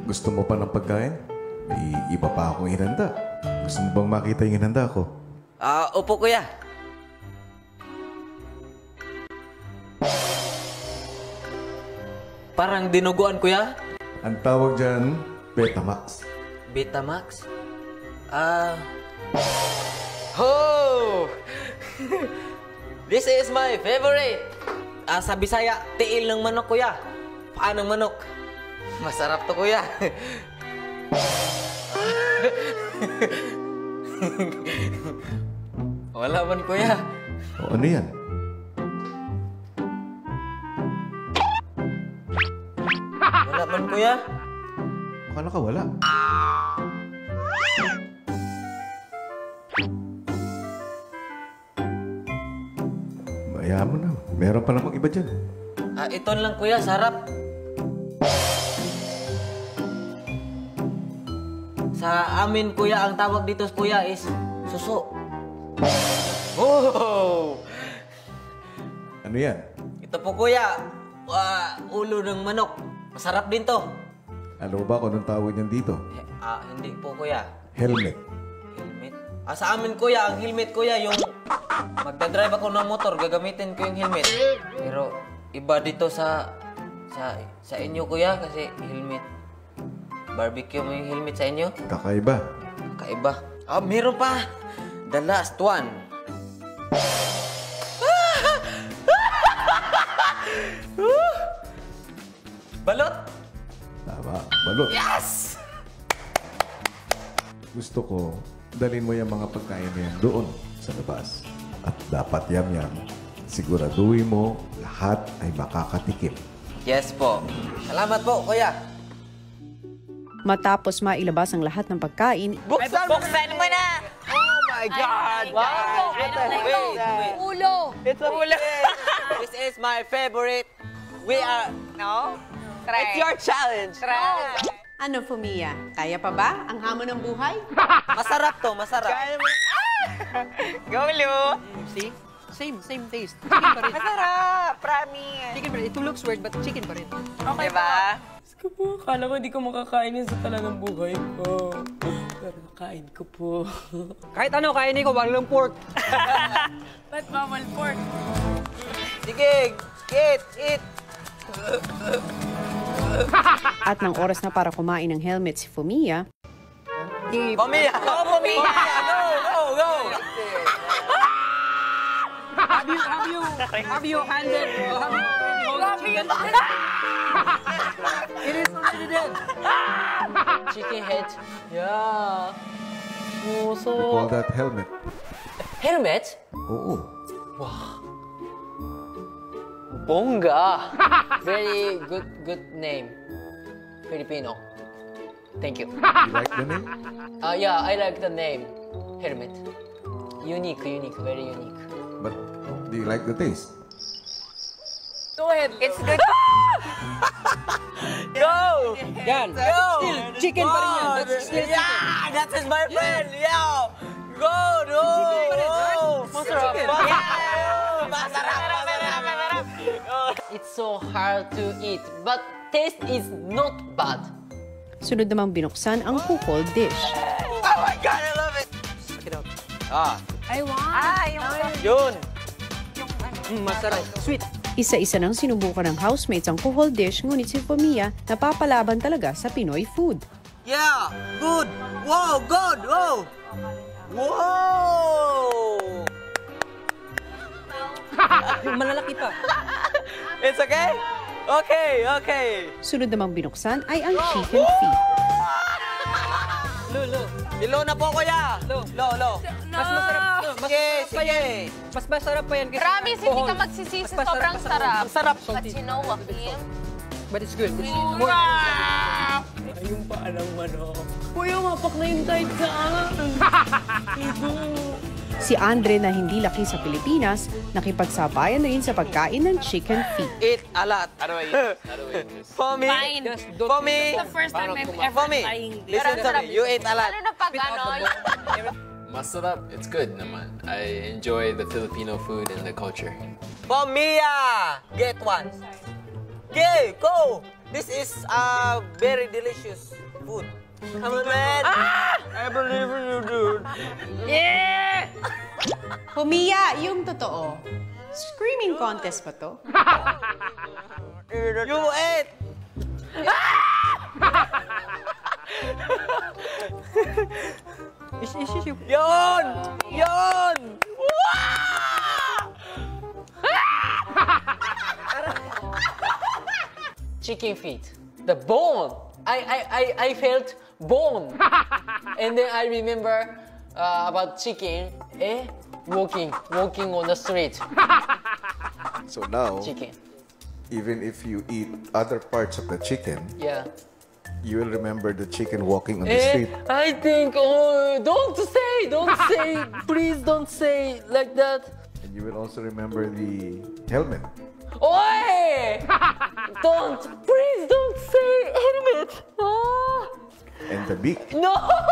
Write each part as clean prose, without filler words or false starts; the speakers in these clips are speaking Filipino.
Gusto mo pa ng pagkain? May iba pa akong inanda. Gusto mo bang makita yung inanda ko? Opo, kuya. Parang dinuguan, kuya. Ang tawag dyan, Betamax. Betamax? Oh! This is my favorite. Sa Bisaya, tiil ng manok, kuya. Paa ng manok. Masarap to, kuya. Wala man, kuya. O ano yan? Wala man, kuya. Baka nakawala. Bayaan mo na. Meron pa namang iba dyan. Ito lang, kuya. Sarap. Sa amin, kuya, ang tawag dito, kuya, is suso. Oh! Ano yan? Ito po, kuya. Ulo ng manok. Masarap din to. Alam mo ba kung anong tawag niyan dito? Hindi po, kuya. Helmet. Helmet? Sa amin, kuya, ang helmet, kuya, yung magdadrive ako ng motor, gagamitin ko yung helmet. Pero iba dito sa inyo, kuya, kasi helmet. Barbecue mo yung helmet sa inyo? Kakaiba. Kakaiba. Meron pa. The last one. Balot? Tama. Balot. Yes! Gusto ko, dalhin mo yung mga pagkain na yan doon sa labas. At dapat yam-yam. Siguraduhin mo, lahat ay makakatikim. Yes po. Salamat po, kuya. Matapos mailabas ang lahat ng pagkain, Buksan mo na! Oh my God! Wow! Wait. Ulo. It's a ulo. This is my favorite. We are... No? Try. It's your challenge. Try. ano Fumia? Kaya pa ba ang hamon ng buhay? Masarap to, masarap. Go, Lu. See? Same taste. Chicken pa rin. Masarap. Promise. Chicken pa rin. It looks weird, but chicken pa rin. Okay ba? Ko po, akala ko hindi ko makakain yan sa talagang buhay ko. Pero nakain ko po. Kahit ano, kainin ko, walang pork. Ba't bawal pork? Sige, eat. At ng oras na para kumain ng helmet si Fumia, Pamilya! Oh, pamilya! Go! Have you handed, chicken? It is already dead. Chicken head. Yeah. Oh, so... We call that helmet. Helmet? Oo. Bongga. Very good name. Filipino. Thank you. You like the name? Yeah, I like the name. Helmet. Unique, very unique. But do you like the taste? Go ahead. It's good. Go! Yan. Go! Still, chicken pa rin yan. That's still chicken. Yeah! That is my friend! Yo! Go! No! Chicken pa rin, right? Masarap! Chicken. Masarap! It's so hard to eat, but taste is not bad. sunod namang binuksan ang kukol dish. Oh my God, I love it! Check it out. I want. Yun! Masarap. Sweet. Isa-isa nang sinubukan ng housemates ang kuhol dish, ngunit si Fumia napapalaban talaga sa Pinoy food. Yeah! Good! Wow! Good! Wow! Wow! Malalaki pa. It's okay? Okay. Sunod namang binuksan ay ang chicken feet. Lo. Dilo na po, kuya! Lo. Mas masarap. Sige. Mas masarap pa yan kasi... Promise, hindi ka magsisisi. Mas masarap Sobrang pa sa sarap. Ang sarap. But you know, Joaquin, But it's good. It's more... Ayun pa alang manok. Kuya, mapak na yung kahit saan. Si Andre na hindi laki sa Pilipinas, nakipagsabayan na rin sa pagkain ng chicken feet. Eat a lot. How do I eat? For me, fine. for me, It's the first time I've ever for me, trying this. listen to me. You eat a lot. Ano na pag ano? Masarap. It's good naman. I enjoy the Filipino food and the culture. For me, get one. Okay, go. This is very delicious food. Come on, man. I believe in you, dude. Fumiya, yung totoo. Screaming contest ba to? You ate. Yon! Yon! Chicken feet. The bone. I felt bone. And then I remember about chicken, walking on the street. So now, Chicken. even if you eat other parts of the chicken, Yeah. you will remember the chicken walking on the street. I think, don't say, please don't say like that. And you will also remember the helmet. Oi! Please don't say helmet. Oh, And the beak. no!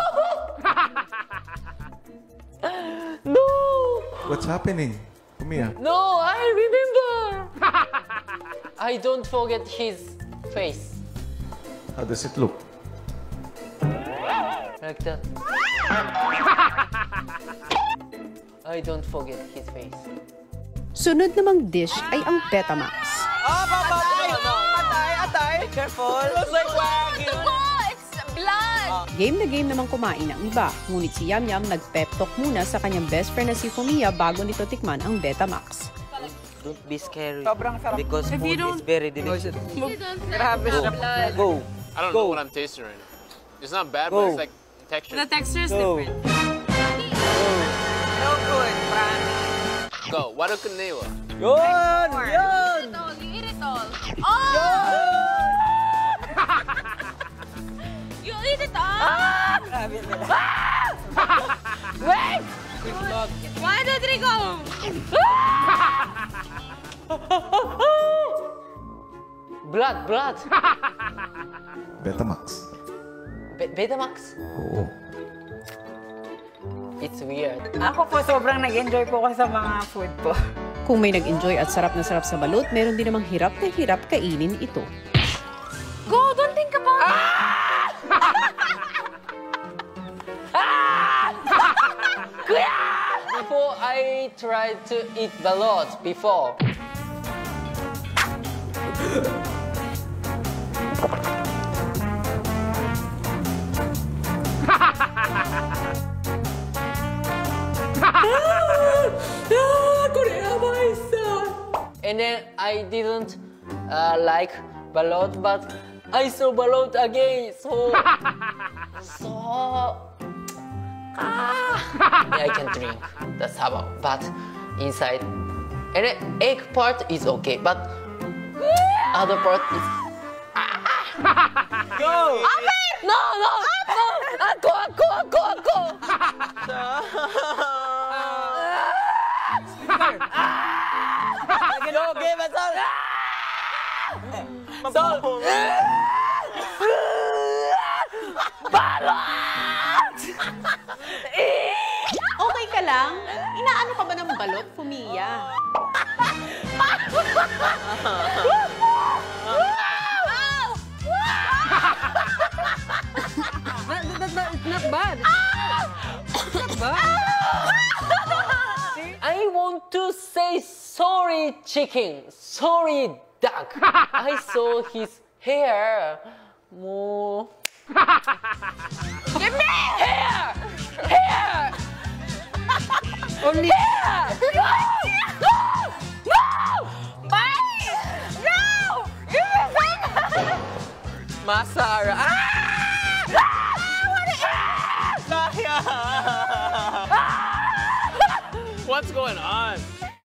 No! What's happening? Fumiya. No, I remember. I don't forget his face. How does it look? Like that. I don't forget his face. Sunod namang dish ay ang Betamax. Atay. Be careful. Looks like wagyu. It's blood! Game na game namang kumain ang iba. Ngunit si Yam Yam nag-pep talk muna sa kanyang best friend na si Fumiya bago nito tikman ang Betamax. Don't be scary. Sobrang sarap. Because If food you don't- is very delicious. You don't have blood. Go. I don't know what I'm tasting right now. It's not bad, but it's like texture. The texture is Go. different. No good, promise. Go. Wado kanewa. Yun! You Yun! eat it all. You eat it all. Oh! You eat it all! Wait! Why did we go? Blood. Betamax. Betamax? Oo. It's weird. Ako po, sobrang nag-enjoy po ko sa mga food po. Kung may nag-enjoy at sarap na sarap sa balut, meron din namang hirap na hirap kainin ito. Go! Don't think about it! Before I tried to eat balot before. And then I didn't like balot, but I saw balot again, so I can drink. That's how. But inside, and the egg part is okay, but other part is. Go! No! Ako! Go, give us all! So, Okay ka lang? Inaano ka ba ng balot, Fumiya? Not bad. Not bad. I want to say sorry, chicken. Sorry, duck. I saw his hair. More. Give me! Hair! Hair! Only... No! Bye! No! Give me some! Masara. What's going on?